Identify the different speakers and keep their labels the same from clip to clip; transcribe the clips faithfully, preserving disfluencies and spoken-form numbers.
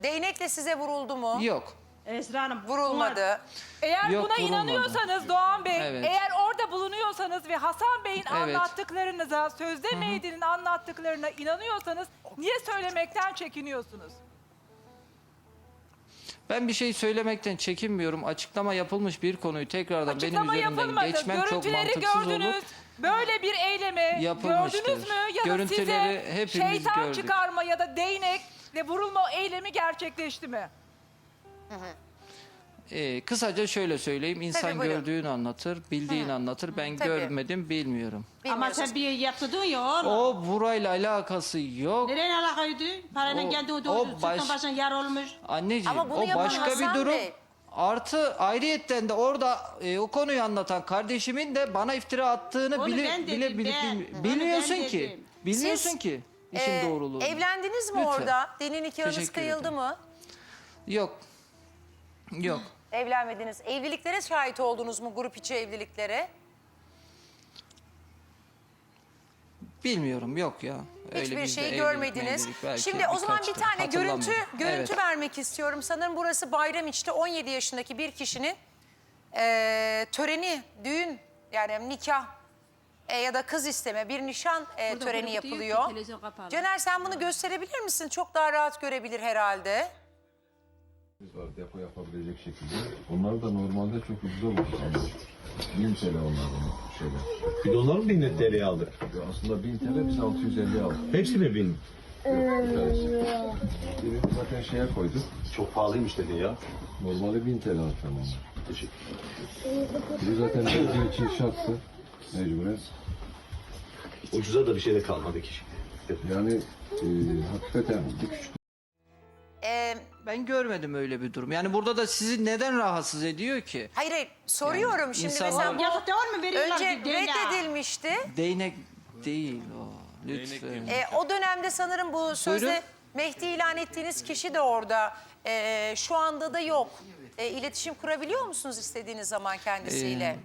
Speaker 1: Değnekle size vuruldu mu?
Speaker 2: Yok.
Speaker 3: Esra Hanım.
Speaker 1: Vurulmadı.
Speaker 4: Eğer
Speaker 2: Yok,
Speaker 4: buna
Speaker 2: vurulmadı.
Speaker 4: inanıyorsanız Doğan Bey,
Speaker 2: Evet.
Speaker 4: eğer orada bulunuyorsanız ve Hasan Bey'in
Speaker 2: Evet.
Speaker 4: anlattıklarınıza, Sözde Meydan'ın anlattıklarına inanıyorsanız niye söylemekten çekiniyorsunuz?
Speaker 2: Ben bir şey söylemekten çekinmiyorum. Açıklama yapılmış bir konuyu tekrardan
Speaker 4: Açıklama
Speaker 2: benim üzerimden
Speaker 4: yapılmadı.
Speaker 2: geçmem çok
Speaker 4: Görüntüleri
Speaker 2: mantıksız
Speaker 4: gördünüz.
Speaker 2: olur.
Speaker 4: Böyle bir eylemi
Speaker 2: Yapılmıştır.
Speaker 4: gördünüz mü? Ya da
Speaker 2: Görüntüleri
Speaker 4: size
Speaker 2: hepimiz
Speaker 4: şeytan
Speaker 2: gördük.
Speaker 4: çıkarma ya da değnekle vurulma eylemi gerçekleşti mi?
Speaker 2: Ee, kısaca şöyle söyleyeyim. İnsan
Speaker 1: Tabii, buyurun.
Speaker 2: gördüğünü anlatır, bildiğini anlatır. Ben
Speaker 1: Tabii.
Speaker 2: görmedim, bilmiyorum.
Speaker 3: Ama
Speaker 1: Bilmiyorsunuz.
Speaker 3: sen bir yaptırdın ya oğlum.
Speaker 2: O burayla alakası yok.
Speaker 3: Nereye alakaydı? Paranın
Speaker 2: O-
Speaker 3: geldiği
Speaker 2: o
Speaker 3: doğru.
Speaker 2: baş-
Speaker 3: Sırtın başına yar olmuş.
Speaker 2: Anneciğim
Speaker 1: Ama bunu
Speaker 2: o
Speaker 1: yapan
Speaker 2: başka bir
Speaker 1: Hasan
Speaker 2: durum.
Speaker 1: Bey.
Speaker 2: Artı ayrıyetten de orada e, o konuyu anlatan kardeşimin de bana iftira attığını
Speaker 3: Onu
Speaker 2: bile
Speaker 3: ben
Speaker 2: bile
Speaker 3: dedim,
Speaker 2: bile
Speaker 3: ben.
Speaker 2: bilmi-
Speaker 3: Onu
Speaker 2: bilmiyorsun
Speaker 3: ben
Speaker 2: ki.
Speaker 3: dedim.
Speaker 2: Bilmiyorsun
Speaker 1: Siz,
Speaker 2: ki işin
Speaker 1: Ee,
Speaker 2: doğruluğunu.
Speaker 1: Evlendiniz mi
Speaker 2: Lütfen.
Speaker 1: orada? Dinin nikahınız
Speaker 2: Teşekkür
Speaker 1: kıyıldı
Speaker 2: ederim.
Speaker 1: mı?
Speaker 2: Yok. Yok.
Speaker 1: Evlenmediniz. Evliliklere şahit oldunuz mu, grup içi evliliklere?
Speaker 2: Bilmiyorum yok ya. Öyle
Speaker 1: Hiçbir
Speaker 2: bizde
Speaker 1: şeyi
Speaker 2: evlilik,
Speaker 1: görmediniz.
Speaker 2: mevlilik belki
Speaker 1: Şimdi o zaman bir
Speaker 2: birkaçtır.
Speaker 1: tane görüntü
Speaker 2: Hatırlamıyorum.
Speaker 1: görüntü
Speaker 2: Evet.
Speaker 1: vermek istiyorum. Sanırım burası Bayramiç'te on yedi yaşındaki bir kişinin eee, töreni, düğün yani nikah e, ya da kız isteme bir nişan e,
Speaker 3: Burada
Speaker 1: töreni
Speaker 3: grubu diyor ki,
Speaker 1: yapılıyor.
Speaker 3: televizyon kapalı.
Speaker 1: Caner sen bunu gösterebilir misin? Çok daha rahat görebilir herhalde.
Speaker 5: Var depo yapabilecek şekilde. Onlar da normalde çok ucuz olmuş. Yani bin T L onlardan şeyler.
Speaker 6: Biz onları mı bin T L'ye aldık?
Speaker 5: Ya aslında bin T L biz altı yüz elli aldık.
Speaker 6: Hepsi mi bin?
Speaker 5: Bir tanesi. Birini zaten şeye koyduk.
Speaker 6: Çok pahalıymış dedi ya.
Speaker 5: Normalde bin T L aldık tamam.
Speaker 6: Teşekkür
Speaker 5: Biri zaten bizim için şarttı. Mecburen.
Speaker 6: Ucuza da bir şey de kalmadı ki.
Speaker 5: Yani e, hakikaten bir küçük
Speaker 1: Eee,
Speaker 2: Ben görmedim öyle bir durum. Yani burada da sizi neden rahatsız ediyor ki?
Speaker 1: hayır hayır soruyorum
Speaker 2: Yani
Speaker 1: şimdi
Speaker 2: insanlar-
Speaker 1: mesela bu
Speaker 3: Yazık değil mi? Veriyorlar
Speaker 1: önce
Speaker 3: bir değnek.
Speaker 1: reddedilmişti.
Speaker 2: Değnek değil o. Lütfen.
Speaker 1: E, o dönemde sanırım bu sözde
Speaker 2: Buyurun.
Speaker 1: Mehdi ilan ettiğiniz kişi de orada. E, şu anda da yok. E, iletişim kurabiliyor musunuz istediğiniz zaman kendisiyle?
Speaker 2: Ee,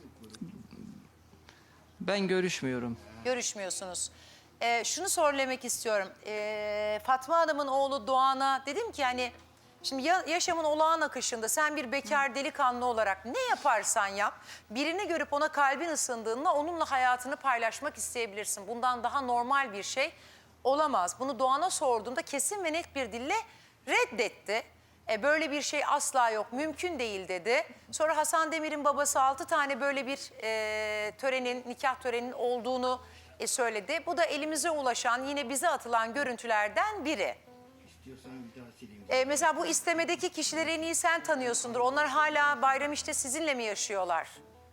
Speaker 2: Ben görüşmüyorum.
Speaker 1: Görüşmüyorsunuz. E, şunu söylemek istiyorum. E, Fatma Hanım'ın oğlu Doğan'a dedim ki hani şimdi ya, yaşamın olağan akışında sen bir bekar delikanlı olarak ne yaparsan yap birini görüp ona kalbin ısındığında onunla hayatını paylaşmak isteyebilirsin. Bundan daha normal bir şey olamaz. Bunu Doğan'a sorduğumda kesin ve net bir dille reddetti. E, böyle bir şey asla yok, mümkün değil dedi. Sonra Hasan Demir'in babası altı tane böyle bir e, törenin, nikah töreninin olduğunu e, söyledi. Bu da elimize ulaşan, yine bize atılan görüntülerden biri. E, mesela bu istemedeki kişileri en iyi sen tanıyorsundur. Onlar hala Bayramiç'te sizinle mi yaşıyorlar?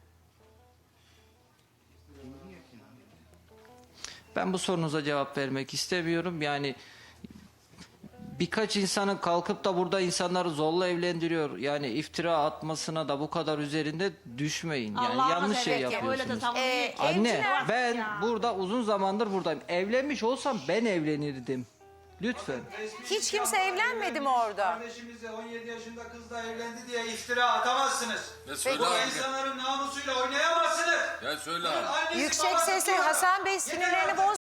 Speaker 2: Ben bu sorunuza cevap vermek istemiyorum. Yani birkaç insanın kalkıp da burada insanları zorla evlendiriyor. Yani iftira atmasına da bu kadar üzerinde düşmeyin. Yani
Speaker 3: Allah'ını
Speaker 2: yanlış şey
Speaker 3: seversen öyle de
Speaker 2: yapıyorsunuz.
Speaker 3: savunuyor
Speaker 1: Ee,
Speaker 3: ki.
Speaker 2: Anne
Speaker 1: Evciler-
Speaker 2: ben
Speaker 3: Ya.
Speaker 2: burada uzun zamandır buradayım. Evlenmiş olsam ben evlenirdim. Lütfen.
Speaker 1: Hiç kimse evlenmedi mi orada?
Speaker 7: Kardeşimizle on yedi yaşında kızla evlendi diye iftira atamazsınız.
Speaker 8: Ya söyle
Speaker 7: Bu
Speaker 8: abi.
Speaker 7: insanların namusuyla oynayamazsınız.
Speaker 8: Ya söyle
Speaker 7: Bunun
Speaker 8: abi.
Speaker 7: annesi,
Speaker 1: Yüksek
Speaker 7: babası
Speaker 1: sesle
Speaker 7: diyor.
Speaker 1: Hasan Bey
Speaker 7: Yeter
Speaker 1: sinirlerini
Speaker 7: artık.
Speaker 1: boz.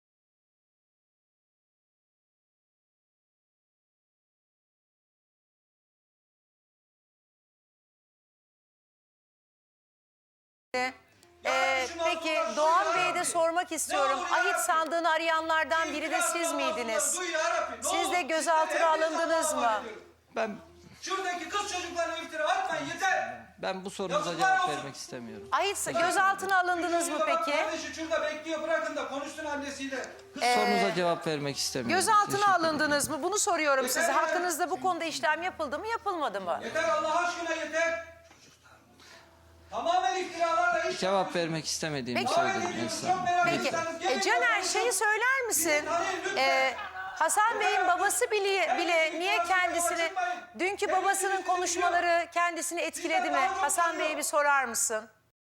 Speaker 1: Ee, peki Doğan Bey'e de sormak istiyorum.
Speaker 7: Ne olur ya
Speaker 1: Ahit
Speaker 7: Rabbi.
Speaker 1: sandığını arayanlardan biri de
Speaker 7: İftira
Speaker 1: siz
Speaker 7: atma
Speaker 1: miydiniz?
Speaker 7: Allah'ım, duy ya Rabbi, ne
Speaker 1: Siz
Speaker 7: olur.
Speaker 1: de gözaltına
Speaker 7: Sizden hepinize
Speaker 1: alındınız
Speaker 7: Allah'a
Speaker 1: mı?
Speaker 7: ediyorum.
Speaker 2: Ben
Speaker 7: Şuradaki kız çocuklarına iftira atmayın yeter.
Speaker 2: ben bu sorunuza
Speaker 7: Yazıklar
Speaker 2: cevap
Speaker 7: olsun.
Speaker 2: vermek istemiyorum.
Speaker 1: Ahit gözaltına alındınız mı
Speaker 7: Şurada bak,
Speaker 1: peki?
Speaker 7: Kardeşi şurada bekliyor, bırakın da konuşsun annesiyle. Kız
Speaker 2: Sorunuza cevap vermek istemiyorum.
Speaker 1: Gözaltına
Speaker 2: Teşekkür ederim.
Speaker 1: alındınız mı? Bunu soruyorum
Speaker 7: Yeter
Speaker 1: size.
Speaker 7: ya.
Speaker 1: Hakkınızda bu konuda işlem yapıldı mı, yapılmadı mı?
Speaker 7: yeter Allah aşkına yeter. Tamamen iftiralarla iş
Speaker 2: Cevap vermek istemediğimi
Speaker 1: Peki.
Speaker 2: söyledim
Speaker 7: Çok
Speaker 2: Esra.
Speaker 7: merak
Speaker 1: Peki.
Speaker 7: ediyorsanız
Speaker 1: E,
Speaker 7: gelin
Speaker 1: Caner
Speaker 7: konuşalım.
Speaker 1: şeyi söyler misin?
Speaker 7: Tanıyın lütfen.
Speaker 1: E, Hasan Bey'in babası bile, bile niye kendisini, dünkü babasının konuşmaları kendisini etkiledi mi? Hasan Bey'e bir sorar mısın?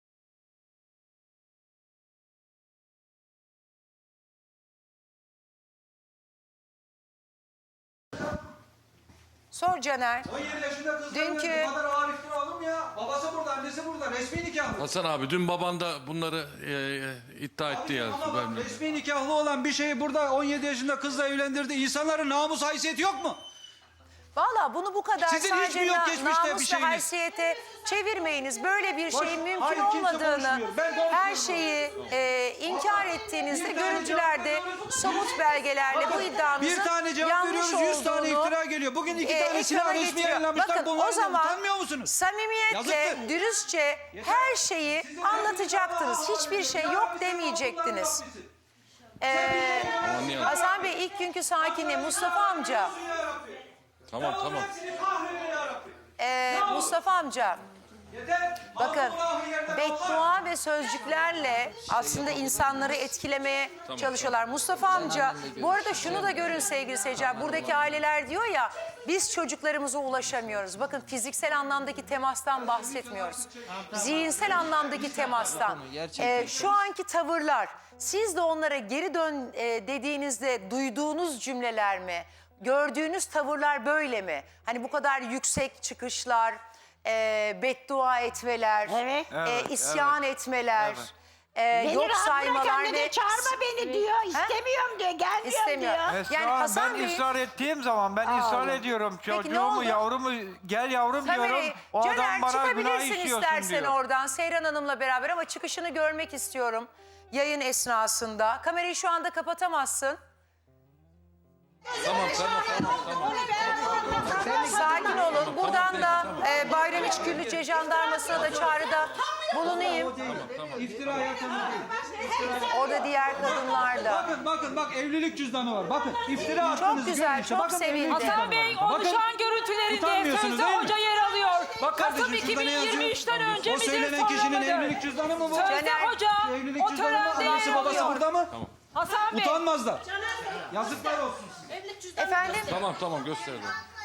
Speaker 1: Sor Caner.
Speaker 7: on yedi yaşında kız
Speaker 1: Dünkü-
Speaker 7: bu kadar ağır iftira olur mu ya? Babası burada, annesi burada. Resmi nikahlı.
Speaker 8: Hasan abi dün baban da bunları e, e, iddia etti ya.
Speaker 7: Ama bak,
Speaker 8: Ben-
Speaker 7: resmi nikahlı olan bir şeyi burada on yedi yaşında kızla evlendirdi. İnsanların namus haysiyeti yok mu?
Speaker 1: Ama bunu bu kadar
Speaker 7: Sizin hiç
Speaker 1: sadece
Speaker 7: mi yok
Speaker 1: na-
Speaker 7: geçmişte bir
Speaker 1: namus ve
Speaker 7: şeyiniz?
Speaker 1: haysiyete çevirmeyiniz. Böyle bir
Speaker 7: Boş-
Speaker 1: şeyin mümkün
Speaker 7: hayır, kimse
Speaker 1: olmadığını,
Speaker 7: konuşmuyor. Ben konuşuyorum.
Speaker 1: her şeyi e, inkar ettiğinizde görüntülerde, somut belgelerle bu iddianızın
Speaker 7: Bir tane cevap
Speaker 1: yanlış
Speaker 7: veriyoruz, yüz tane
Speaker 1: olduğunu,
Speaker 7: iftira geliyor. Bugün iki
Speaker 1: e,
Speaker 7: tanesini
Speaker 1: ekrana
Speaker 7: resmi
Speaker 1: getiriyor.
Speaker 7: yayınlamışlar.
Speaker 1: Bakın o
Speaker 7: Bunlardan
Speaker 1: zaman
Speaker 7: utanmıyor musunuz?
Speaker 1: samimiyetle,
Speaker 7: Yazıktır.
Speaker 1: dürüstçe her şeyi anlatacaktınız. Hiçbir şey yok demeyecektiniz. Ee,
Speaker 8: Anlayalım.
Speaker 1: Hasan Bey ilk günkü sakini Mustafa amca.
Speaker 8: Tamam tamam.
Speaker 1: Ee, Mustafa amca. Bakın beddua ve sözcüklerle aslında insanları etkilemeye çalışıyorlar. Mustafa amca bu arada şunu da görün sevgili seyirciler. Buradaki aileler diyor ya biz çocuklarımıza ulaşamıyoruz. Bakın fiziksel anlamdaki temastan bahsetmiyoruz. Zihinsel anlamdaki temastan. Ee, şu anki tavırlar siz de onlara geri dön e, dediğinizde duyduğunuz cümleler mi? Gördüğünüz tavırlar böyle mi? Hani bu kadar yüksek çıkışlar, e, beddua etmeler,
Speaker 3: Evet.
Speaker 1: e, isyan etmeler, e,
Speaker 9: Beni
Speaker 1: yok
Speaker 9: rahat
Speaker 1: saymalar
Speaker 9: bırak anne
Speaker 1: ve
Speaker 9: de çağırma beni diyor. İstemiyorum diyor. Gelmiyorum
Speaker 1: İstemiyor.
Speaker 9: diyor.
Speaker 10: Esra
Speaker 1: Yani
Speaker 10: Hanım,
Speaker 1: Hasan
Speaker 10: ben
Speaker 1: Bey'in-
Speaker 10: ısrar ettiğim zaman ben
Speaker 1: Allah.
Speaker 10: ısrar ediyorum.
Speaker 1: Peki ne
Speaker 10: Çocuğumu,
Speaker 1: oldu?
Speaker 10: yavrumu gel yavrum
Speaker 1: Kamerayı,
Speaker 10: diyorum. O
Speaker 1: Caner
Speaker 10: adam bana günah
Speaker 1: çıkabilirsin
Speaker 10: işliyorsun
Speaker 1: istersen
Speaker 10: diyor.
Speaker 1: oradan Seyran Hanım'la beraber ama çıkışını görmek istiyorum yayın esnasında. Kamerayı şu anda kapatamazsın.
Speaker 8: Tamam tamam tamam. tamam.
Speaker 1: Sakin olun. Buradan da e, Bayramiç Güllüce Jandarması'na da çağrıda bulunayım.
Speaker 7: İftira yatağını değil.
Speaker 1: Orada diğer kadınlar da.
Speaker 7: Bakın bakın bak evlilik cüzdanı var. Bakın iftira
Speaker 1: Çok
Speaker 7: attınız.
Speaker 1: güzel,
Speaker 7: görün işte.
Speaker 1: çok
Speaker 7: Bakın
Speaker 1: sevindim.
Speaker 7: evlilik
Speaker 4: Hasan
Speaker 7: cüzdanı
Speaker 4: Bey
Speaker 7: var.
Speaker 4: onu
Speaker 7: Bakın,
Speaker 4: şu an görüntülerinde
Speaker 7: utanmıyorsunuz
Speaker 4: sözde
Speaker 7: değil mi?
Speaker 4: hoca yer alıyor.
Speaker 7: Bak
Speaker 4: Kasım
Speaker 7: kardeşim, şurada ne yazıyor?
Speaker 4: iki bin yirmi üçten önce
Speaker 7: O
Speaker 4: midir
Speaker 7: söylenen
Speaker 4: sonra
Speaker 7: kişinin
Speaker 4: mıdır?
Speaker 7: evlilik cüzdanı mı bu?
Speaker 4: Sözde
Speaker 1: Caner,
Speaker 4: hoca
Speaker 7: Evlilik
Speaker 4: o
Speaker 7: cüzdanı mı?
Speaker 4: törende
Speaker 7: Anası
Speaker 4: yer
Speaker 7: babası
Speaker 4: alıyor.
Speaker 7: burada mı?
Speaker 4: Hasan Bey.
Speaker 7: Utanmazlar. Yazıklar olsun.
Speaker 1: Efendim
Speaker 8: Tamam tamam gösterdim.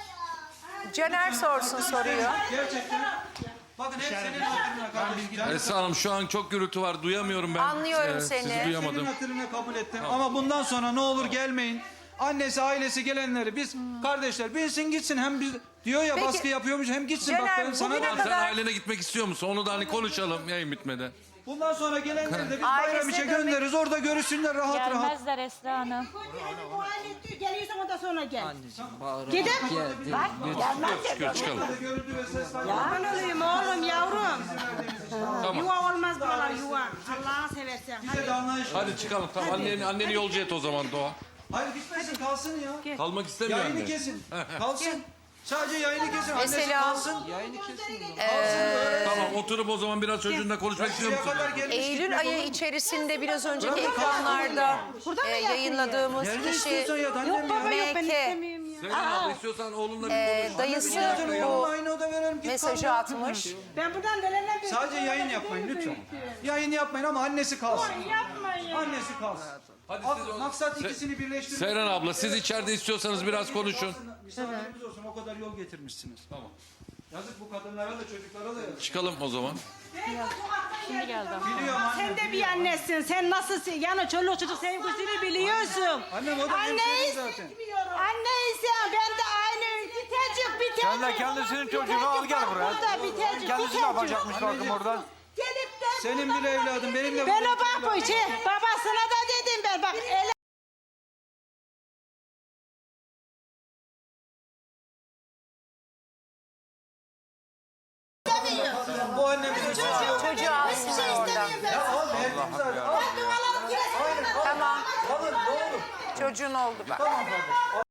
Speaker 1: Caner sorsun soruyu.
Speaker 7: Gerçekten. Bakın hep senin hatırına kardeşim.
Speaker 8: Esra Hanım şu an çok gürültü var. Duyamıyorum ben.
Speaker 1: Anlıyorum
Speaker 8: Ee,
Speaker 1: seni.
Speaker 8: Sizi
Speaker 7: Senin
Speaker 8: duyamadım.
Speaker 7: hatırına kabul ettim. Ama bundan sonra ne olur gelmeyin. Annesi, ailesi gelenleri biz kardeşler bilsin gitsin. Hem biz diyor ya
Speaker 1: Peki,
Speaker 7: baskı yapıyormuş hem gitsin. Bak
Speaker 1: Caner,
Speaker 7: ben sana
Speaker 1: bugüne
Speaker 7: da-
Speaker 8: Sen
Speaker 1: kadar-
Speaker 8: ailene gitmek istiyor musun? Onu da hani konuşalım yayın bitmeden.
Speaker 7: Bundan sonra gelenleri de biz
Speaker 1: Ailesine
Speaker 7: Bayramiç'e
Speaker 1: dönmek-
Speaker 7: göndeririz. Orada görüşsünler rahat rahat.
Speaker 9: Gelmezler Esra Hanım.
Speaker 3: Geliyorsan ondan sonra gel.
Speaker 2: Anneciğim bağırarak
Speaker 3: Gidin.
Speaker 2: geldi.
Speaker 9: Gelmezler.
Speaker 8: Çıkıyor çıkalım.
Speaker 7: Görüntü ve ses
Speaker 3: Ben olayım oğlum yavrum.
Speaker 8: Tamam.
Speaker 3: Yuva olmaz buralar yuva. Allah'ını seversen.
Speaker 7: bize de anlayış.
Speaker 8: Hadi çıkalım tamam. Anneni, anneni yolcu et o zaman Doğa.
Speaker 7: Hayır gitmesin kalsın ya.
Speaker 8: Kalmak istemiyor
Speaker 7: Yayını
Speaker 8: anne.
Speaker 7: kesin. Kalsın. Sadece yayını kesin. Annesi
Speaker 1: Mesela-
Speaker 7: kalsın.
Speaker 2: Yayını kesin.
Speaker 8: Tamam oturup o zaman biraz çocuğunla konuşmak istiyor
Speaker 7: Şuraya
Speaker 8: musun?
Speaker 7: kadar gelmiş.
Speaker 1: Eylül ayı içerisinde biraz önceki ekranlarda e, yayınladığımız
Speaker 7: Nerede
Speaker 1: kişi
Speaker 7: istiyorsan yat annem
Speaker 3: Yok baba
Speaker 7: ya.
Speaker 3: yok ben
Speaker 1: M K
Speaker 3: istemiyorum ya.
Speaker 8: Seyran abla istiyorsan oğlunla bir
Speaker 1: e,
Speaker 8: konuş.
Speaker 1: dayısı
Speaker 7: Yatırın,
Speaker 1: bu
Speaker 7: aynı oda verelim. Git
Speaker 1: mesajı
Speaker 7: kalın.
Speaker 1: atmış.
Speaker 3: Ben buradan nelerle bir...
Speaker 7: Sadece yayın yapmayın lütfen. Yayın yapmayın ama annesi kalsın.
Speaker 3: Yapmayın ya.
Speaker 7: Annesi kalsın.
Speaker 8: Hadi
Speaker 7: Ak-
Speaker 8: siz o-
Speaker 7: Maksat ikisini birleştirmek.
Speaker 8: Seyran abla siz içeride istiyorsanız biraz konuşun.
Speaker 7: Misafirimiz olsun o kadar yol getirmişsiniz. Tamam. Yazık bu kadınlara da çocuklara da yazık.
Speaker 8: Çıkalım o zaman.
Speaker 9: Şimdi geldi.
Speaker 7: Biliyorum annem.
Speaker 3: Sen de bir annesin. Sen nasılsın? Yani çoluk çocuk sevgisini biliyorsun.
Speaker 7: Annem o da hemşerim zaten.
Speaker 3: Anneysen ben de aynı bitecek bitecek.
Speaker 10: Sen de kendisinin çocuğunu al gel buraya.
Speaker 3: Burada bitecek
Speaker 10: Kendisi ne
Speaker 3: bitecek.
Speaker 10: yapacakmış bakım orada.
Speaker 3: Gelip de
Speaker 7: Senin bile evladın benim de.
Speaker 3: ben o bak bu şey babasına da dedim ben bak ele
Speaker 7: Bu annemiz.
Speaker 1: Çocuğu alsınlar oradan.
Speaker 7: Al verdim zaten. Al.
Speaker 1: Tamam.
Speaker 7: Alın ne olur.
Speaker 1: Çocuğun oldu bak.
Speaker 7: Tamam kardeş.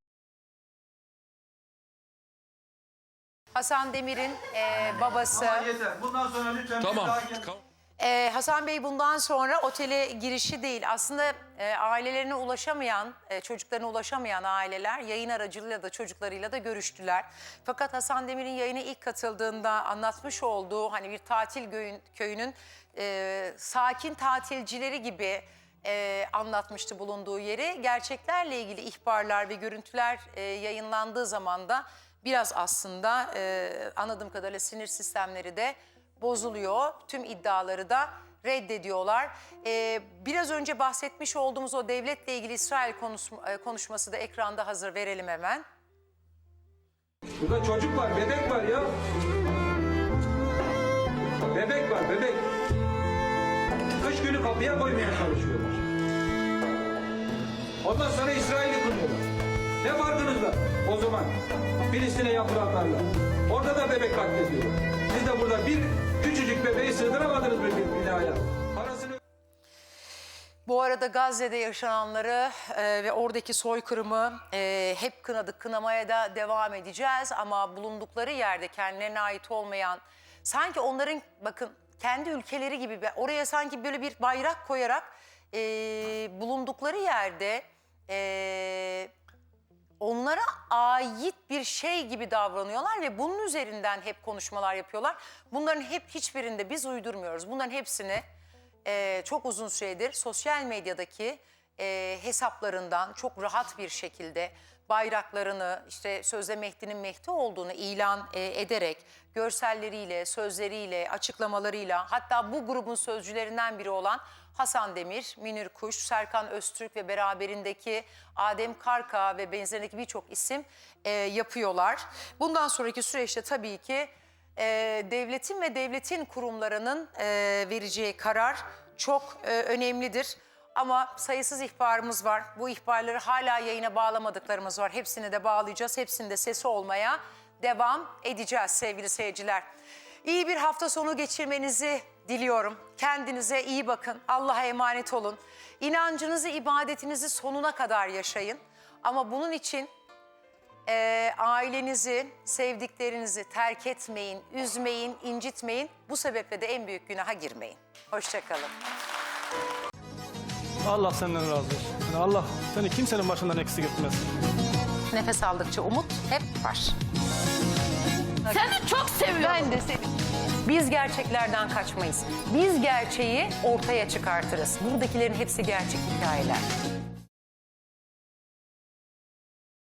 Speaker 1: Hasan Demir'in e, babası.
Speaker 7: Ama yeter. Bundan sonra lütfen bir
Speaker 8: Tamam.
Speaker 7: daha gel.
Speaker 1: Ee, Hasan Bey bundan sonra otele girişi değil. Aslında e, ailelerine ulaşamayan, e, çocuklarına ulaşamayan aileler yayın aracılığıyla da çocuklarıyla da görüştüler. Fakat Hasan Demir'in yayına ilk katıldığında anlatmış olduğu hani bir tatil köyün, köyünün e, sakin tatilcileri gibi e, anlatmıştı bulunduğu yeri. Gerçeklerle ilgili ihbarlar ve görüntüler e, yayınlandığı zaman da biraz aslında e, anladığım kadarıyla sinir sistemleri de bozuluyor. Tüm iddiaları da reddediyorlar. Ee, biraz önce bahsetmiş olduğumuz o devletle ilgili İsrail konuşma, e, konuşması da ekranda hazır, verelim hemen.
Speaker 7: Burada çocuk var, bebek var ya. Bebek var, bebek. Kış günü kapıya koymaya çalışıyorlar. Ondan sonra İsrail'i kuruyorlar. Ne farkınız var o zaman? Filistin'e yapılanlarla. Orada da bebek katlediyor. Siz de burada bir küçücük bebeği sığdıramadınız bir binaya. Parasını...
Speaker 1: Bu arada Gazze'de yaşananları e, ve oradaki soykırımı e, hep kınadık, kınamaya da devam edeceğiz. Ama bulundukları yerde kendilerine ait olmayan, sanki onların bakın kendi ülkeleri gibi oraya sanki böyle bir bayrak koyarak e, bulundukları yerde e, onlara ait bir şey gibi davranıyorlar ve bunun üzerinden hep konuşmalar yapıyorlar. Bunların hep hiçbirinde biz uydurmuyoruz. Bunların hepsini Ee, çok uzun süredir sosyal medyadaki e, hesaplarından çok rahat bir şekilde bayraklarını, işte sözde Mehdi'nin Mehdi olduğunu ilan e, ederek görselleriyle, sözleriyle, açıklamalarıyla, hatta bu grubun sözcülerinden biri olan Hasan Demir, Münir Kuş, Serkan Öztürk ve beraberindeki Adem Karka ve benzerindeki birçok isim e, yapıyorlar. Bundan sonraki süreçte tabii ki e, devletin ve devletin kurumlarının e, vereceği karar çok e, önemlidir. Ama sayısız ihbarımız var. Bu ihbarları hala yayına bağlamadıklarımız var. Hepsini de bağlayacağız. Hepsini de sesi olmaya devam edeceğiz sevgili seyirciler. İyi bir hafta sonu geçirmenizi diliyorum. Kendinize iyi bakın. Allah'a emanet olun. İnancınızı, ibadetinizi sonuna kadar yaşayın. Ama bunun için e, ailenizi, sevdiklerinizi terk etmeyin, üzmeyin, incitmeyin. Bu sebeple de en büyük günaha girmeyin. Hoşça kalın.
Speaker 11: Allah senden razı olsun. Yani Allah seni kimsenin başından eksik etmez.
Speaker 1: Nefes aldıkça umut hep var.
Speaker 9: Seni çok seviyorum.
Speaker 1: Ben de seni. Biz gerçeklerden kaçmayız. Biz gerçeği ortaya çıkartırız. Buradakilerin hepsi gerçek hikayeler.